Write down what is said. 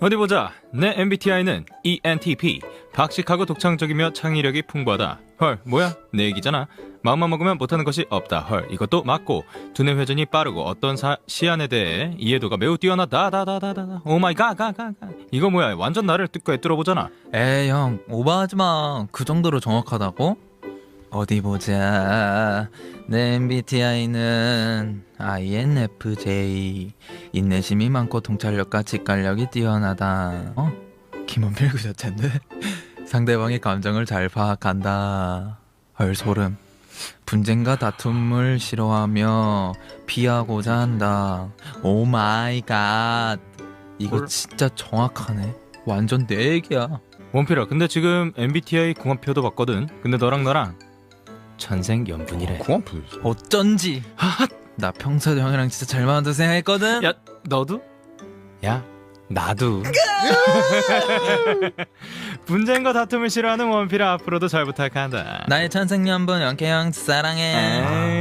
어디 보자. 내 MBTI는 ENTP. 박식하고 독창적이며 창의력이 풍부하다. 헐, 뭐야? 내 얘기잖아. 마음만 먹으면 못하는 것이 없다. 헐, 이것도 맞고. 두뇌 회전이 빠르고 어떤 시안에 대해 이해도가 매우 뛰어나다. 오 마이 갓. 이거 뭐야? 완전 나를 꿰뚫어 보잖아. 에이 형 오버하지마. 그 정도로 정확하다고? 어디 보자. 내 MBTI는 INFJ. 인내심이 많고 통찰력과 직관력이 뛰어나다. 김원필 그자체인데? 상대방의 감정을 잘 파악한다. 헐 소름. 분쟁과 다툼을 싫어하며 피하고자 한다. 오 마이 갓. 이거 뭘? 진짜 정확하네. 완전 내 얘기야. 원필아, 근데 지금 MBTI 궁합표도 봤거든. 근데 너랑 나랑 천생연분이래. 궁합표. 어쩐지. 나 평소에도 형이랑 진짜 잘 맞는다 생각했거든. 야, 너도? 야, 나도. 분쟁과 다툼을 싫어하는 원필아, 앞으로도 잘 부탁한다. 나의 천생연분 영케 형 사랑해. 에이.